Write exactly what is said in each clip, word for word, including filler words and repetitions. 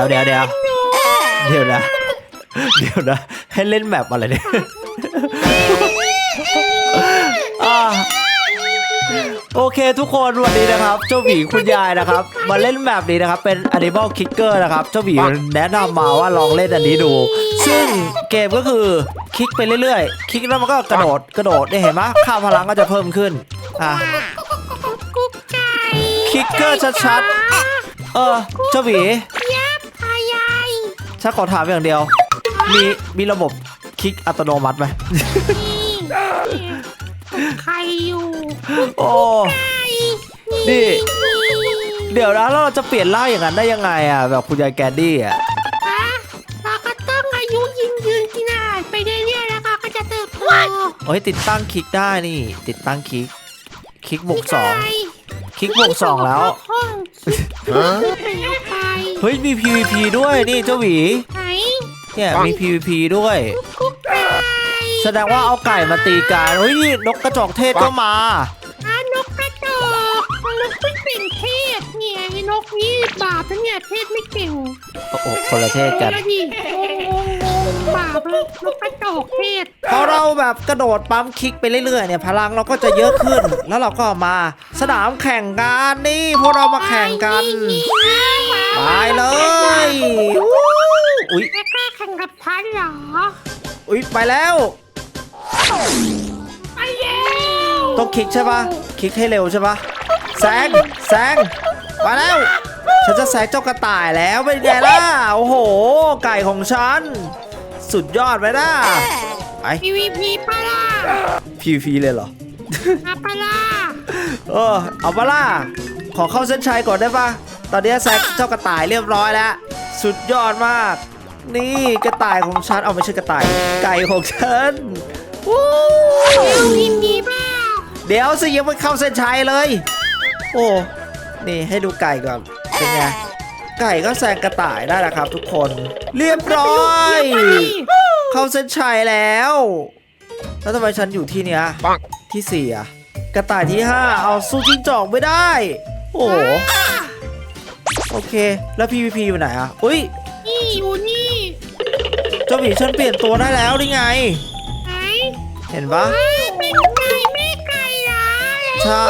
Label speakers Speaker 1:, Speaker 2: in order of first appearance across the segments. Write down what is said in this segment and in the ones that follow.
Speaker 1: ยวเดี๋ยวเดี๋ยวเดี๋ยวนะเดี๋ยวนะให้เล่นแบบอะไรเนี่ยโอเคทุกคนวันนี้นะครับเจ้าหมีคุณยายนะครับมาเล่นแบบนี้นะครับเป็น Animal Kicker นะครับเจ้าหมีแนะนำมาว่าลองเล่นอันนี้ดูซึ่งเกมก็คือคลิกไปเรื่อยๆคลิกแล้วมันก็กระโดดกระโดดได้เห็นไหมค่าพลังก็จะเพิ่มขึ้นอ่ะคิกเกอร์ชัดๆเออเจ้าหมีฉันขอถามอย่างเดียวมีมีระบบคลิกอัตโนมัติไหม
Speaker 2: ใครอยู่
Speaker 1: โอ้นี่เดี๋ยวนะเราจะเปลี่ยนร่างอย่างนั้นได้ยังไงอ่ะแบบคุณยายแกดดี้อ่ะ
Speaker 2: เราก็ต้องอายุยืนยืนกินอาหารไปเรื่อยๆแล้วก็จะเติบโต
Speaker 1: โอ้ยติดตั้งคลิกได้นี่ติดตั้งคลิกคลิกบวกสองคลิกบวกสองแล้วเฮ้ยมี พี วี พี ด้วยนี่เจ้าหวีเนี่ยมี พี วี พี ด้วยแสดงว่าเอาไก่มาตีกันเฮ้ยนกกระจอกเทศก็ม
Speaker 2: านกกระจอกนกไม่เป็นเทศเนี่ยนกนี่บาปนะเนี่ยเทศไม่เก่ง
Speaker 1: โอ้โหคนละเทศกัน
Speaker 2: บาปเลยนกกระจอกเทศ
Speaker 1: พอเราแบบกระโดดปั๊มคลิกไปเรื่อยๆเนี่ยพลังเราก็จะเยอะขึ้นแล้วเราก็มาสนามแข่งกันนี่พวกเรามาแข่งกันไปเลยอุ้ย
Speaker 2: แค่แข่งกับฉันเหรอ
Speaker 1: อุ้ยไปแล้ว
Speaker 2: ไปแล้ว
Speaker 1: ต้องคลิกใช่ปะคลิกให้เร็วใช่ปะแซงแซงมาแล้วฉันจะแซงเจ้ากระต่ายแล้วเป็นไงล่ะโอ้โหไก่ของฉันสุดยอดไปนะไป
Speaker 2: พี วี พี ปะล่ะ
Speaker 1: พี วี พี เลยเหรอ
Speaker 2: เอาปะล่ะ
Speaker 1: เออเอาปะล่ะขอเข้าเส้นชัยก่อนได้ปะตอนนี้แซงเจ้ากระต่ายเรียบร้อยแล้วสุดยอดมากนี่กระต่ายของฉันเอาไม่ใช่กระต่ายไก่ของฉันวู้
Speaker 2: ยินดีป่ะ
Speaker 1: เดี๋ยวสิยังไม่เข้าเส้นชัยเลยโอ้นี่ให้ดูไก่ก่อนเป็นไงไก่ก็แซงกระต่ายได้แล้วครับทุกคนเรียบร้อยเข้าเส้นชัยแล้วแล้วทำไมฉันอยู่ที่เนี้ยที่สี่อะกระต่ายที่ห้าเอาสู้จิ้งจอกไม่ได้โอ้โอเคแล้ว พี วี พี อยู่ไหนอะอุ้ย
Speaker 2: นี่อยู่นี่
Speaker 1: เจ้าหมีฉันเปลี่ยนตัวได้แล้วนี่ไง
Speaker 2: ไหน
Speaker 1: เห็นปะ
Speaker 2: เป็นไก่แม่ไก่เหรอ
Speaker 1: ใช่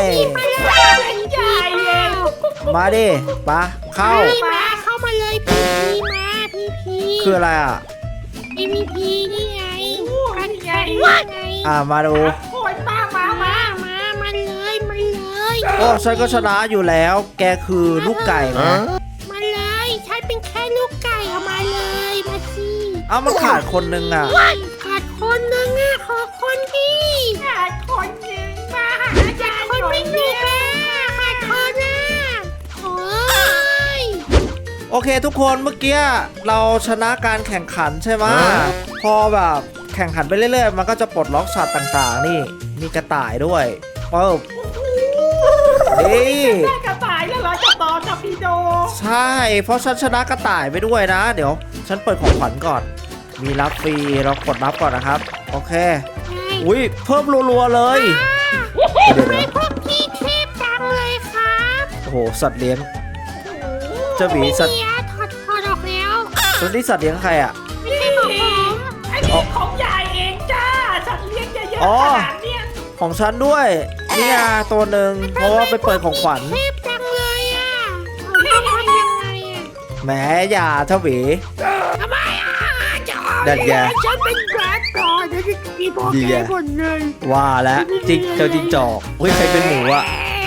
Speaker 1: มาดิปะเข้า
Speaker 2: มาเข้ามาเลยพีพีมาพีพี
Speaker 1: คืออะไรอ่ะ
Speaker 2: พีพีพีนี่ไงกันไง
Speaker 1: อ่ามาดู
Speaker 2: โอยป้ามามามามาเลยมาเลย
Speaker 1: โอ้ฉันก็ชนะอยู่แล้วแกคือลูกไก่นะ
Speaker 2: มาเลยฉันเป็นแค่ลูกไก่เอามาเลยมาสิ
Speaker 1: เอ้ามันขาดคนนึงอ่ะ
Speaker 2: ขาดคนนึงอ่ะขอคนที่ขาดคนนึงมาหาขาดคนไม่มีค่ะขาดคนอ่ะโอ้ย
Speaker 1: โอเคทุกคนเมื่อกี้เราชนะการแข่งขันใช่ไหมพอแบบแข่งขันไปเรื่อยๆมันก็จะปลดล็อกสัตว์ต่างๆนี่มีกระต่ายด้วยปึ๊บนี่
Speaker 2: กระต่ายแล้วเหรอจะต่อจับพีโด
Speaker 1: ใช่เพราะฉันชนะกระต่ายไปด้วยนะเดี๋ยวฉันเปิดของขวัญก่อนมีรับฟรีเรากดรับก่อนนะครับโอเคอุ้ยเพิ่มรัวๆเลย
Speaker 2: ทำไมพวกพี่เทพจังเลยครับ
Speaker 1: โอ้โหสัตว์เลี้ยงเจ้าหมีสัตว์
Speaker 2: ถอดถอดออกแล้ว
Speaker 1: ตัวนี้สัตว์เลี้ยงใครอ่ะ
Speaker 2: ไม่ใช่ของผมอันนี้ของยายเองจ้าสัตว์เลี้ยงเยอะๆขนาดเนี้ย
Speaker 1: ของฉันด้วยนี่อ่ะตัวหนึ่งเพราะว่าไปเปิดของขวัญ
Speaker 2: เทพจังเลยอ่ะต้องทำยังไงอ่ะ
Speaker 1: แหมอย่าเจ้าหมี
Speaker 2: ทำไมอ่ะ
Speaker 1: ดันแก
Speaker 2: ฉันเป็นแบดก่อนจะกินพวกแกหมดเลย
Speaker 1: ว่าแล้วจิกเจ้าจิงจอกเฮ้ยใครเป็นหมูอ่ะ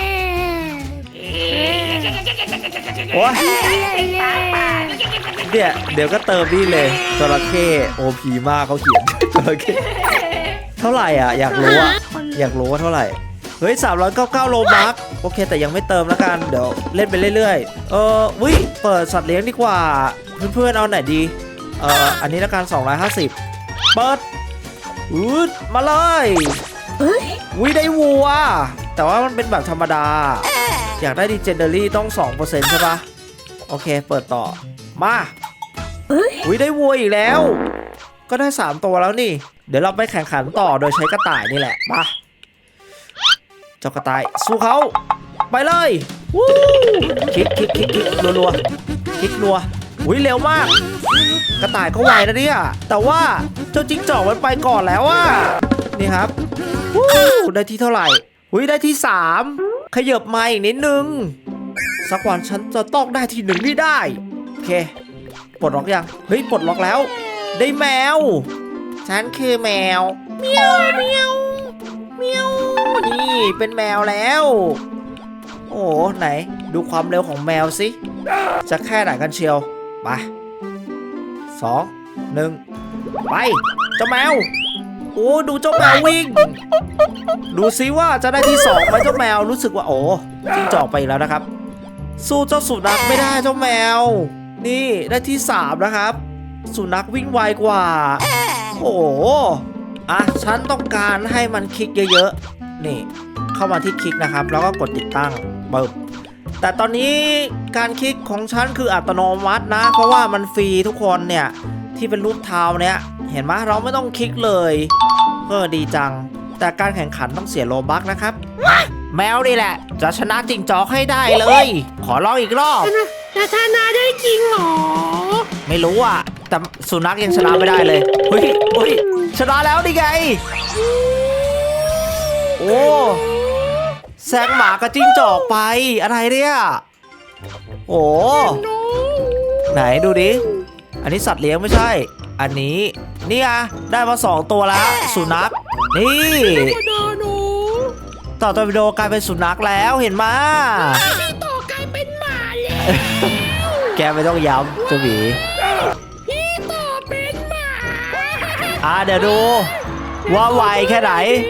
Speaker 1: โอ้ยเนี่ยเดี๋ยวก็เติมนี่เลยจระเข้โอพีมากเขาเขียนจระเข้เท่าไหร่อ่ะอยากรู้อ่ะอยากรู้ว่าเท่าไหร่เฮ้ยสามร้อยเก้าสิบเก้าโลบัคโอเคแต่ยังไม่เติมแล้วกันเดี๋ยวเล่นไปเรื่อยๆเออวิเปิดสัตว์เลี้ยงดีกว่าเพื่อนๆเอาไหนดีเอ่ออันนี้ละกันสองร้อยห้าสิบเปิดอืดมาเลยวิได้วัวแต่ว่ามันเป็นแบบธรรมดาอยากได้ดีเจนเดอรี่ต้อง สองเปอร์เซ็นต์ ใช่ปะโอเคเปิดต่อมาวิได้วัวอีกแล้วก็ได้สามตัวแล้วนี่เดี๋ยวเราไปแข่งขันต่อโดยใช้กระต่ายนี่แหละมาเจ้ากระต่ายสู้เขาไปเลยวู้คลิกคลิกคลิกคลิกรัวรัวคลิกรัวอุ้ยเร็วมาก กระต่ายก็ไวนะเนี่ยแต่ว่าเจ้าจิ้งจอกมันไปก่อนแล้วอ่ะนี่ครับวู้ได้ที่เท่าไหร่อุ้ยได้ที่สามขยับมาอีกนิดนึงสักวันฉันจะต้องได้ที่หนึ่งนี่ได้โอเคปลดล็อกยังเฮ้ยปลดล็อกแล้วได้แมวฉันคือแมวเมียวเมียวเมียวนี่เป็นแมวแล้วโอ้ไหนดูความเร็วของแมวสิจะแค่ไหนกันเชียวไปสองหนึ่งไปเจ้าแมวโอ้ดูเจ้าแมววิ่งดูซิว่าจะได้ที่สองไหมเจ้าแมวรู้สึกว่าโอ้จิ้งจอกไปอีกแล้วนะครับสู้เจ้าสุนัขไม่ได้เจ้าแมวนี่ได้ที่สามนะครับสุนัขวิ่งไวกว่าโอ้อ่ะฉันต้องการให้มันคลิกเยอะๆนี่เข้ามาที่คลิกนะครับแล้วก็กดติดตั้งปึ๊บแต่ตอนนี้การคลิกของฉันคืออัตโนมัตินะเพราะว่ามันฟรีทุกคนเนี่ยที่เป็นรูปเท้าเนี่ยเห็นไหมเราไม่ต้องคลิกเลยเออดีจังแต่การแข่งขันต้องเสียโลบัคนะครับแมวนี่แหละจะชนะจิ้งจอกให้ได้เลยขอลองอีกรอบ
Speaker 2: จะชนะได้จริงเหรอ
Speaker 1: ไม่รู้อ่ะแต่สุนัขยังชนะไม่ได้เลยเฮ้ยเฮ้ยชนะแล้วดิไงโอ้แซงหมากับจิ้งจอกไปอะไรเนี่ยโอ้ไหนดูดิอันนี้สัตว์เลี้ยงไม่ใช่อันนี้นี่อ่ะได้มาสองตัวแล้วสุนัขนี่ต่อตัววิดีโอกลายเป็นสุนัขแล้วเห็นไหม
Speaker 2: พี่ต่อกลายเป็นหมาแล้ว
Speaker 1: แกไม่ต้องย้ำเจ้าหมี
Speaker 2: พี่ต่อเป็นหมา
Speaker 1: อ่ะเดี๋ยวดูว่าไวแค่ไหน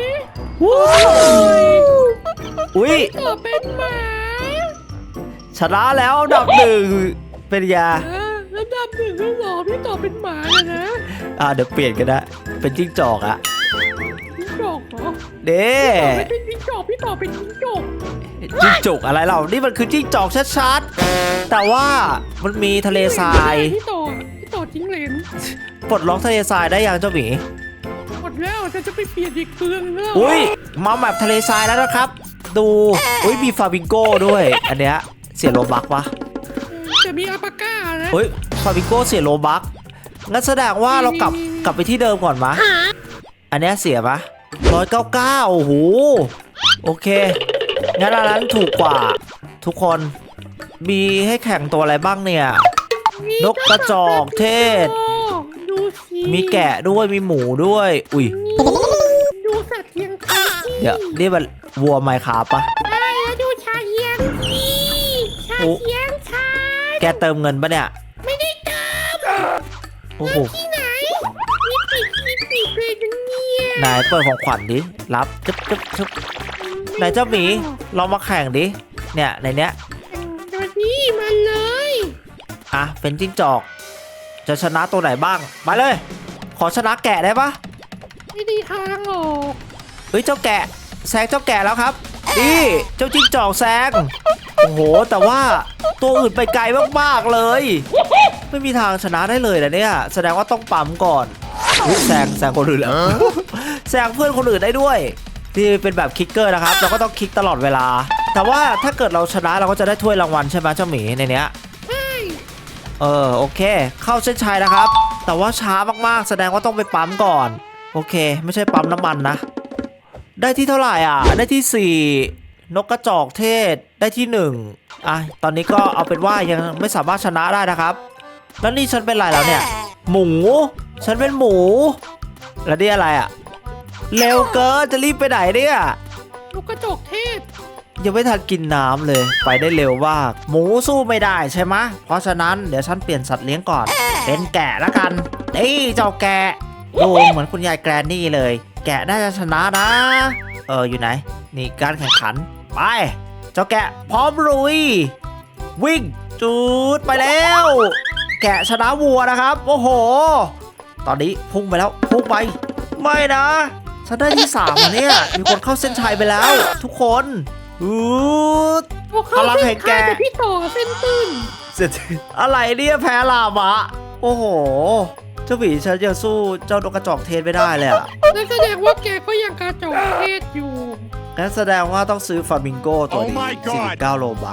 Speaker 1: อุ้ย
Speaker 2: ต่อเป็นหมา
Speaker 1: ชนะแล้วอันดับหนึ่งเป็นยา
Speaker 2: ระดับหนึ่งก็หรอพี่ต่อเป็นหมาเลยนะ
Speaker 1: อ่ะเดี๋ยวเปลี่ยนกันนะเป็นจิ้งจอกอะ
Speaker 2: จิ้งจอกเหรอ
Speaker 1: เด้
Speaker 2: ไม่เป็นจิ้งจอกพี่ต่อเป็นจิ้งจอก
Speaker 1: จิ้งจกอะไรเรานี่มันคือจิ้งจอกชัดๆแต่ว่ามันมีทะเลทราย
Speaker 2: พี่ต่อพี่ต่อจิ้งเหลน
Speaker 1: ปลดล็อกทะเลทรายได้ยังเจ้าหมี
Speaker 2: หมดแล้วจะจะไปเปลี่ยนอีกเครื่องนึง
Speaker 1: อุ้ยมาแมปทะเลทรายแล้วนะครับดูอุ้ยมีฟาบิงโก้ด้วยอันเนี้ยเสียโลบักปะ
Speaker 2: จะมีอัปปาก้านะ
Speaker 1: เฮ้ยฟาบิงโก้เสียโลบักงั้นแสดงว่าเรากลับกลับไปที่เดิมก่อนมะอันเนี้ยเสียปะร้อยเก้าเก้าโอ้โหโอเคงั้นอันนั้นถูกกว่าทุกคนมีให้แข่งตัวอะไรบ้างเนี่ยนกกระจอกเทศ
Speaker 2: ดูสิ
Speaker 1: มีแกะด้วยมีหมูด้วยอุ้ย
Speaker 2: ดูสัตว์เลี้ยงคา
Speaker 1: เดี๋ยวนี่มันวัวไมค์คาปะ
Speaker 2: ใช่แล้วดูชาเลี้ยงสิชาเลี้ยงชา
Speaker 1: แกเติมเงินปะเนี่ย
Speaker 2: ไม่ได้เติม
Speaker 1: โอ้โห
Speaker 2: ที่ไหนมีปีกมีปีกเลยนะเนี่ย
Speaker 1: นายเปิดของขวัญดิรับจึ๊บจึ๊บจึ๊บนายเจ้าหมีลองมาแข่งดิเนี่ยในเนี้ย
Speaker 2: ตัวนี้มาเลย
Speaker 1: อ่ะเป็นจิ้งจอกจะชนะตัวไหนบ้างมาเลย ขอชนะแกะได้ปะ
Speaker 2: ไม่ได้ทางหรอก
Speaker 1: เฮ้ยเจ้าแกะแซงเจ้าแกะแล้วครับนี่เจ้าจิ้งจอกแซงโอ้โหแต่ว่าตัวอื่นไปไกลมากๆเลย ไม่มีทางชนะได้เลยนะเนี่ยแสดงว่าต้องปั๊มก่อนอุ๊ยแซงแซงคนอื่นแล้ว แซงเพื่อนคนอื่นได้ด้วยที่เป็นแบบคิกเกอร์นะครับเราก็ต้องคลิกตลอดเวลาแต่ว่าถ้าเกิดเราชนะเราก็จะได้ถ้วยรางวัลใช่ไหมเจ้าหมีในเนี้ย
Speaker 2: ใช่
Speaker 1: เออโอเคเข้าเส้นชัยนะครับแต่ว่าช้ามากๆแสดงว่าต้องไปปั๊มก่อนโอเคไม่ใช่ปั๊มน้ำมันนะได้ที่เท่าไหร่อ่ะได้ที่สี่นกกระจอกเทศได้ที่หนึ่งอ่ะตอนนี้ก็เอาเป็นว่ายังไม่สามารถชนะได้นะครับแล้วนี่ฉันเป็นอะไรแล้วเนี่ยหมูฉันเป็นหมูแล้วนี่อะไรอ่ะเร็วเกินจะรีบไปไหนเนี่ย
Speaker 2: ลูกกระจอกเทศ
Speaker 1: ยังไม่ทันกินน้ำเลยไปได้เร็วมากหมูสู้ไม่ได้ใช่ไหมเพราะฉะนั้นเดี๋ยวฉันเปลี่ยนสัตว์เลี้ยงก่อนเป็นแกะละกันนี่เจ้าแกะดูเหมือนคุณยายแกรนนี่เลย แกะน่าจะชนะนะเอออยู่ไหนนี่การแข่งขันไปเจ้าแกะพร้อมลุยวิ่งจูดไปแล้ว แกะชนะวัวนะครับโอ้โหตอนนี้พุ่งไปแล้วพุ่งไปไม่นะฉันได้ที่สามเนี่ยมีคนเข้าเส้นชัยไปแล้ว ทุกคนอืด พลังแห่งแก
Speaker 2: แต่พี่ต่อเส้นตื้น
Speaker 1: เสร็จอะไรเนี่ยแพ้ลามะโอ้โหเจ้าหวีฉันยังสู้เจ้านกกระจอกเทศไม่ได้เลยอะ
Speaker 2: นั่นแสดงว่าแกก็ยังกระจอกเทศอยู่
Speaker 1: งั้นแสดงว่าต้องซื้อฟามิงโกตัวนี้
Speaker 3: Oh my god
Speaker 1: สี่สิบเก้าโลบัค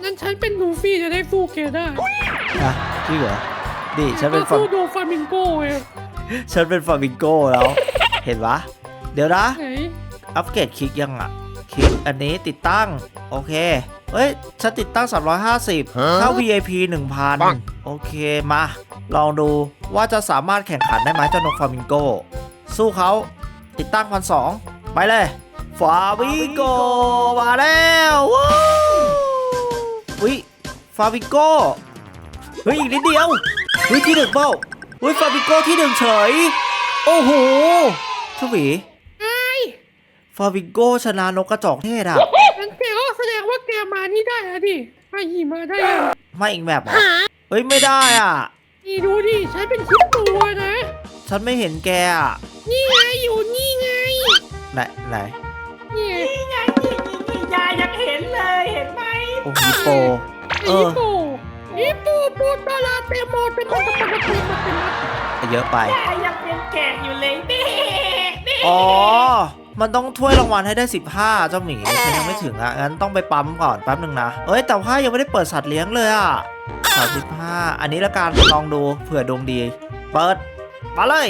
Speaker 2: นั้นฉันเป็นลูฟี่จะได้สู้แกได้
Speaker 1: อะจริงเหรอดิฉันเป็นฟา
Speaker 2: สู้โดฟามิงโก้ไง
Speaker 1: ฉันเป็นฟามิงโก้แล้ว เห็นปะเดี๋ยวนะ
Speaker 2: ไหน
Speaker 1: อัปเกรดคลิกยังอ่ะคลิกอันนี้ติดตั้งโอเคเฮ้ยฉันติดตั้งสามร้อยห้าสิบเข้า วี ไอ พี หนึ่งพัน โอเคมาลองดูว่าจะสามารถแข่งขันได้ไหมเจ้านกฟามิงโกสู้เขาติดตั้งพันสองไปเลยฟามิงโกมาแล้วว้าวอุ้ยฟามิงโกเฮ้ยอีกนิดเดียวเฮ้ยที่หนึ่งเปล่าเฮ้ยฟามิงโกที่หนึ่งเฉยโอ้โหชวี
Speaker 2: ไอ้
Speaker 1: ฟาบิงโกชนะนกกระจอกเทศอ่ะ
Speaker 2: งั้นแกก็แสดงว่าแกมานี่ได้อะดิมาหิมาได้อะ
Speaker 1: ไม่อีกแบบเหรอเฮ้ยไม่ได้อ่ะ
Speaker 2: นี่ดูดิฉันเป็นคิดตัวนะ
Speaker 1: ฉันไม่เห็นแกอ่ะ
Speaker 2: นี่ไงอยู่นี่ไง
Speaker 1: ไหนไหน
Speaker 2: นี่ไง
Speaker 3: นี่ไงนี่นี่นี่ยายยังเห็นเลยเห็นไหม
Speaker 1: โอ้ฮิปโปเอ
Speaker 2: ฮิ
Speaker 1: อ
Speaker 2: ปโปฮิปโปปูตาลาเตโมเตโมเตโมเตโมเตโม
Speaker 1: เยอะไป
Speaker 3: ยายยังเป็นแกะอยู่เลยนี่นี่
Speaker 1: อ๋อ มันต้องถ้วยรางวัลให้ได้สิบห้าเจ้าหมีฉันยังไม่ถึงอ่ะงั้นต้องไปปั๊มก่อนแป๊บหนึ่งนะเอ้ยแต่ว่ายังไม่ได้เปิดสัตว์เลี้ยงเลยอ่ะสามสิบห้าอันนี้ละกันลองดูเผื่อดวงดี เปิดมาเลย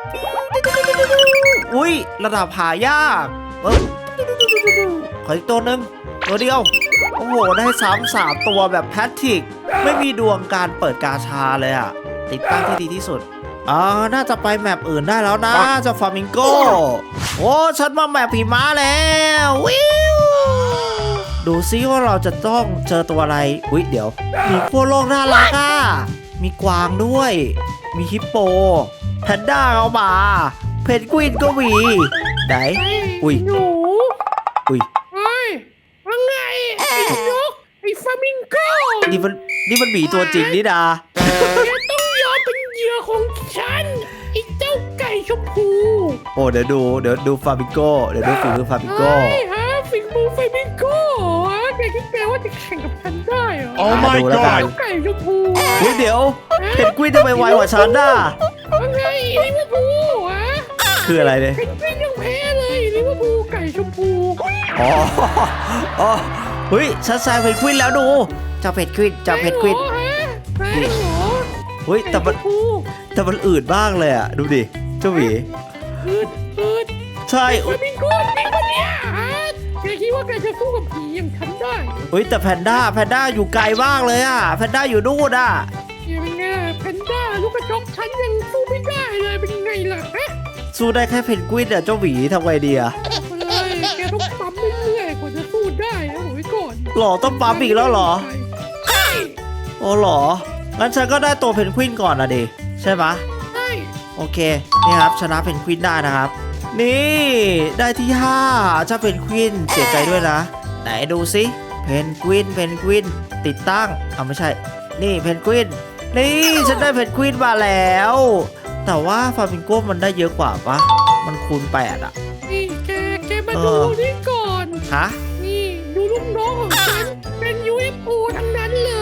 Speaker 1: อุ้ยระดับหายากเอ้ยขออีกตัวหนึ่งตัวเดียวโอ้โหได้ซ้ำสามตัวแบบแพทริกไม่มีดวงการเปิดกาชาเลยอ่ะติดตั้งที่ดีที่สุดอ๋อน่าจะไปแมปอื่นได้แล้วนะเจะฟามิงโกโอ้ฉันมาแมปผีม้าแล้ววิวดูซิว่าเราจะต้องเจอตัวอะไรอุ้ยเดี๋ยวมีพวกโลกน่ารักอ่ะมีกวางด้วย มีฮิปโปแพนด้าเข้ามาเพนกวินก็มีไหน อุ้ย
Speaker 2: หนู
Speaker 1: อุ้ย
Speaker 2: เฮ้ยว่าไงไอ้นกไอ้ฟามิงโก้
Speaker 1: นี่มันนี่มันหมีตัวจริงนี่ดา
Speaker 2: แกต้องยอมเป็นเหยื่อของฉันไอ้เจ้าไก่ชมพู
Speaker 1: โอ้เดี๋ยวดูเดี๋ยวดูฟาบิโก้เดี๋ยวดูฝีมือฟาบิโก้
Speaker 2: เฮ้ยฮะฟิงมูฟามิงโก้ฮะแกคิดแกว่าจะแข่งกับฉันได้เหรอ
Speaker 1: Oh my god
Speaker 2: เจ้าไก่ชมพู
Speaker 1: เฮ้ยเดี๋ยวเพนกวินทำไมไวกว่าฉันน่ะ
Speaker 2: ว่าไงลิเวอร์พูลฮะ
Speaker 1: คืออะไรเนี่ย
Speaker 2: เพนกวินยังแพ้เลยลิเวอร์พูลไก่ชมพู
Speaker 1: อ๋ออ๋อเฮ้ยฉันแซงเพนกวินแล้วดูเจ้าเพนกวินเจ้าเพนกวิน
Speaker 2: แพ้เหรอ
Speaker 1: เฮ้ยแต่มัน
Speaker 2: ไก่ชพู
Speaker 1: แต่มันอืดบ้างเลยอ่ะดูดิเจ้าหมี
Speaker 2: อืดอืด
Speaker 1: ใช่
Speaker 2: ฟามิงโก้จริงปะเนี่ยฮะแกคิดว่าแกจะสู้กับผีอย่างฉันได้
Speaker 1: เฮ้ยแต่แพนด้าแพนด้าอยู่ไกลมากเลยอ่ะแพนด้าอยู่นู่นอ่ะ
Speaker 2: แกเป็นไงแพนด้าลูกกระจอกฉันยังสู้ไม่ได้เลยเป็นไงล่ะฮะ
Speaker 1: สู้ได้แค่เพนกวินอ่ะเจ้าหมีทำไงดีอ่ะ
Speaker 2: เลยแกต้องปั๊มเรื่อยๆกว่าจะสู้ได้นะบอกไว้ก่อน
Speaker 1: หรอต้องปั๊มอีกแล้วเหรอ
Speaker 2: ใช่
Speaker 1: โอ้หรอ งั้นฉันก็ได้ตัวเพนกวินก่อนนะดิ ใช่ปะ
Speaker 2: ใช่
Speaker 1: โอเค นี่ครับชนะเพนกวินได้นะครับ นี่ได้ที่ห้าเจ้าเพนกวินเสียใจด้วยนะ ไหนดูซิเพนกวินเพนกวินติดตั้งเอาไม่ใช่ นี่เพนกวิน นี่ฉันได้เพนกวินมาแล้ว แต่ว่าฟามิงโก้มันได้เยอะกว่าปะมันคูณแปดอะ
Speaker 2: นี่แกแกมา
Speaker 1: เอ
Speaker 2: ดู
Speaker 1: อ
Speaker 2: นี่ก่อน
Speaker 1: ฮะ
Speaker 2: นี่ดูลูกน้องของฉันเป็น ยู เอฟ โอ ทั้งนั้นเลย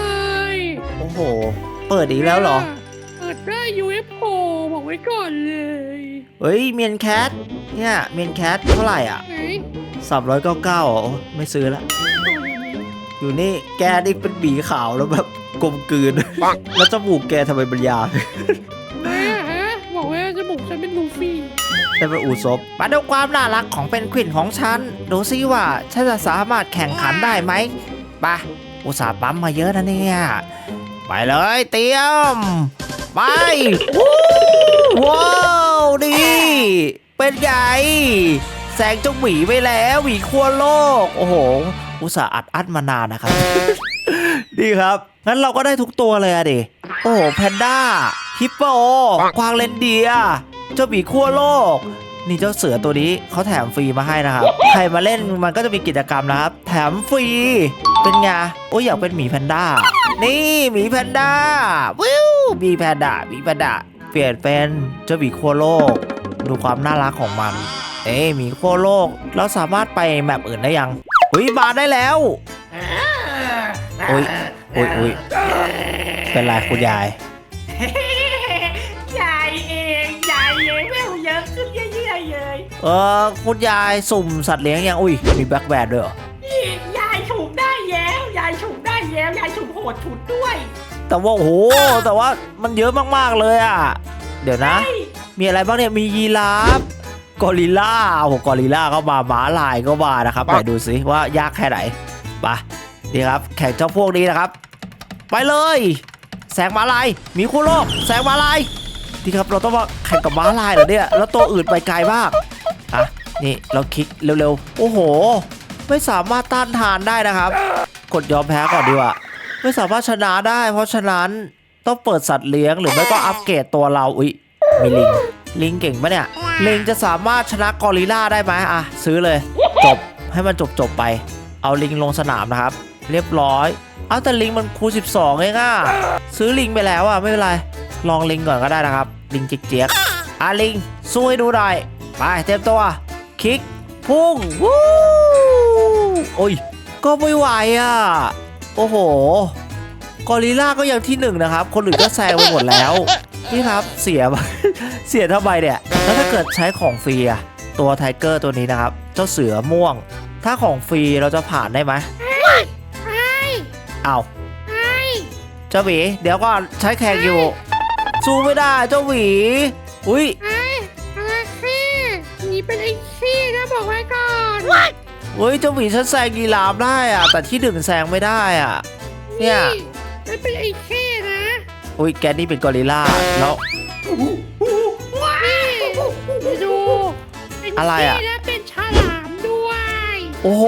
Speaker 1: โอ้โห เปิดอีกแล้วเหรอ
Speaker 2: เปิดได้ ยู เอฟ โอ บอกไว้ก่อนเลย
Speaker 1: เฮ้ยเมียนแคท เนี่ยเมียนแคทเท่าไหร่อ่ะ
Speaker 2: ไหน
Speaker 1: สามร้อยเก้าเก้าอ๋อไม่ซื้อละ อยู่นี่แกนี่เป็นบีขาวแล้วแบบกลมกลืน แล้วจมูกแกทำไมมันยาว
Speaker 2: แม่ฮะบอกว่าจมูกฉันเป็นลูฟี่
Speaker 1: แต่เป็นอูซบมาดูความน่ารักของเป็นควินของฉัน ดูซิว่าฉันจะสามารถแข่งขันได้ไหมไปะอุตส่าห์ปั๊มมาเยอะนะเนี่ย ไปเลยเตรียม ไปวู้ว้าวดีเป็นไงแซงเจ้าหมีไปแล้วหมีขั้วโลก โอ้โห อุตส่าห์อัดอั้นมานานนะครับ ดีครับ งั้นเราก็ได้ทุกตัวเลยอะดิ โอ้โหแพนด้า ฮิปโป ควางเรนเดียร์เจ้าหมีขั้วโลก นี่เจ้าเสือตัวนี้เขาแถมฟรีมาให้นะครับ ใครมาเล่นมันก็จะมีกิจกรรมนะครับ แถมฟรี เป็นไง โอ้ยอยากเป็นหมีแพนด้า นี่หมีแพนด้า วิวหมีแพนด้าหมีแพนด้า เปลี่ยนเป็นเจ้าหมีขั้วโลก ดูความน่ารักของมัน เอ้ยหมีขั้วโลก เราสามารถไปแมปอื่นได้ยังอุ้ยมาได้แล้ว โอ้ยโอ้ยโอ้ยเป็นไรคุณยาย
Speaker 3: ยายเองยายเองแววเยอะขึ้นเรื่อยๆเลย
Speaker 1: เออคุณยายสุ่มสัตว์เลี้ยงยังอุ้ยมีแบล็คแบร์ด้วยเหรอ
Speaker 3: นี่ยายถูกได้แล้วยายถูกได้แล้วดชุดด้วย
Speaker 1: แต่ว่าโอ้โหแต่ว่ามันเยอะมากๆเลยอ่ะเดี๋ยวนะ มีอะไรบ้างเนี่ยมียีราฟกอริลล่าโอ้โหกอริลล่าก็มาม้าลายก็มานะครับไปดูสิว่ายากแค่ไหนไปนี่ครับแข่งเจ้าพวกนี้นะครับ ไปเลยแสงม้าลายมีคู่โลกแสงม้าลายที่ครับเราต้องมาแข่งกับม้าลายเหรอเนี่ยแล้วตัวอื่นไปไกลมากอ่ะนี่เราคลิกเร็วๆโอ้โหไม่สามารถต้านทานได้นะครับ กดยอมแพ้ก่อนดีกว่าไม่สามารถชนะได้เพราะฉะนั้นต้องเปิดสัตว์เลี้ยงหรือไม่ก็อัปเกรดตัวเราอุ๊ยมีลิงลิงเก่งปะเนี่ยลิงจะสามารถชนะกอริลล่าได้ไหมอ่ะซื้อเลยจบให้มันจบจบไปเอาลิงลงสนามนะครับเรียบร้อยเอาแต่ลิงมันคูณสิบสองเองอ่ะซื้อลิงไปแล้วอ่ะไม่เป็นไรลองลิงก่อนก็ได้นะครับลิงเจี๊ยกๆอ่ะลิงสู้ให้ดูหน่อยไปเต็มตัวคลิกพุ่งวู้โอ้ยก็ไม่ไหวอ่ะโอ้โหกอริลล่าก็ยังที่หนึ่งนะครับคนอื่นก็แซงไปหมดแล้วนี่ครับเสีย เสียทำไมเนี่ยแล้วถ้าเกิดใช้ของฟรีอะตัวไทเกอร์ตัวนี้นะครับเจ้าเสือม่วงถ้าของฟรีเราจะผ่านได้ไหม
Speaker 2: ใช่
Speaker 1: อ้าว
Speaker 2: ใช่
Speaker 1: เจ้าหวีเดี๋ยวก่อนใช้แข่งอยู่สู้ไม่ได้เจ้าหวีอุ้ย
Speaker 2: ไอ้อะไรขี้หนีเป็นไอ้ขี้นะบอกไว้ก่อน
Speaker 1: เฮ้ยเจ้าหวีฉันแซงยีราฟได้อะแต่ที่หนึ่งแซงไม่ได้อะเนี่ย
Speaker 2: มันเป็นไอ้ขี้นะ
Speaker 1: อุ้ยแกนี่เป็นกอริลล่าแล้ว
Speaker 2: นี่ไปดูเป็น
Speaker 1: อะไรอะ
Speaker 2: ขี้และเป็นฉลามด้วย
Speaker 1: โอ้โห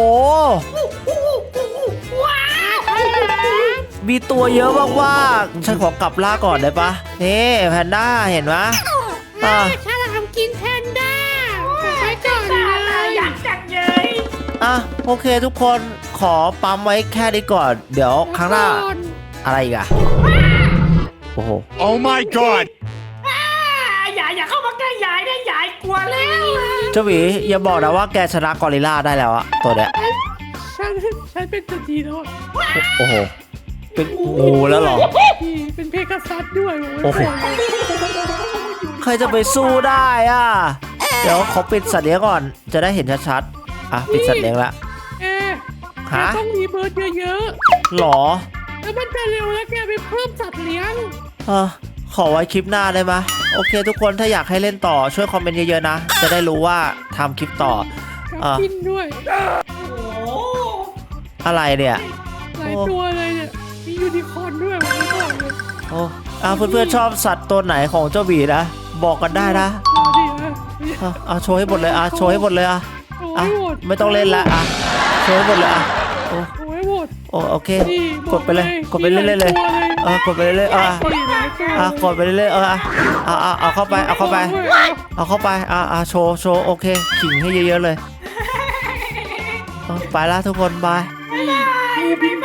Speaker 2: ว้าวฉลาม
Speaker 1: มีตัวเยอะมากๆฉันขอกลับล่าก่อนได้ปะนี่แพนด้าเห็นไหมอ่ะ
Speaker 2: ฉลามกินแพนด้าบอกไว้ก่อน
Speaker 3: ตา
Speaker 2: เล
Speaker 3: ตาย อยากจังเลย
Speaker 1: อ่ะโอเคทุกคนขอปั๊มไว้แค่นี้ก่อน เดี๋ยวครั้งหน้าอะไรอีกอะโอ้โห
Speaker 4: Oh my god!
Speaker 3: อ่าอย่าอย่าเข้ามาใกล้ยายนะยายกลัวแล้ว
Speaker 1: เจ้าหวีอย่าบอกนะว่าแกชนะกอริลล่าได้แล้วอะตัวเนี้ย
Speaker 2: ฉันฉันเป็นตัวดีแล้ว
Speaker 1: โอ้โหเป็นงูแล้วเหรอ
Speaker 2: นี่เป็นเพกาซัสด้วย
Speaker 1: โอ้โห ใครจะไปสู้ได้อะเดี๋ยวขอปิดสัตว์เลี้ยงก่อนจะได้เห็นชัดๆอ่ะปิดสัตว์เลี้ยงละ
Speaker 2: แก
Speaker 1: ฮะ
Speaker 2: ต้องมีเบิร์ดเยอะ
Speaker 1: หรอ
Speaker 2: ๆแล้วมันจะเร็วแล้วแกไปเพิ่มสัตว์เลี้ยง
Speaker 1: เออขอไว้คลิปหน้าได้ไหมโอเค ทุกคนถ้าอยากให้เล่นต่อช่วยคอมเมนต์เยอะๆนะ จะได้รู้ว่าทำคลิปต่อ
Speaker 2: กับ
Speaker 1: อ่ะ
Speaker 2: กินด้วย
Speaker 3: โอ้
Speaker 1: อะไรเนี่ย
Speaker 2: หลายตัวเลยเนี่ยมียูนิคอร์นด้วยผมไม่บอกเลย
Speaker 1: โอ้อาเพื่อนๆชอบสัตว์ตัวไหนของเจ้าหวีนะ บอกกันได้นะ
Speaker 2: เอาดิอ่ะ
Speaker 1: เอาเอาโชว์ให้หมดเลยอ่ะโชว์ให้หมดเลยอ่ะ
Speaker 2: โอ้
Speaker 1: อ่ะ
Speaker 2: ยหมด
Speaker 1: ไม่ต้องเล่นละอ่ะโชว์ให้หมดเลยอ่ะโอ้
Speaker 2: โอ้ยหมด
Speaker 1: โอ้โอเค
Speaker 2: นี่
Speaker 1: กดไปเลยกดไปเรื่อยๆเลย
Speaker 2: มีหาตัว
Speaker 1: เออกดไปเรื่อยๆเออ
Speaker 2: มีหลายตัว
Speaker 1: อ่ะกดไปเรื่อยๆเอออ่ะเอาเอาเอาเข้าไปเอาเข้าไป เอาเข้าไปอ่ะอ่ะโชว์โชว์โอเคขิงให้เยอะๆเลยเออไปละทุกคนบาย
Speaker 2: งูบิน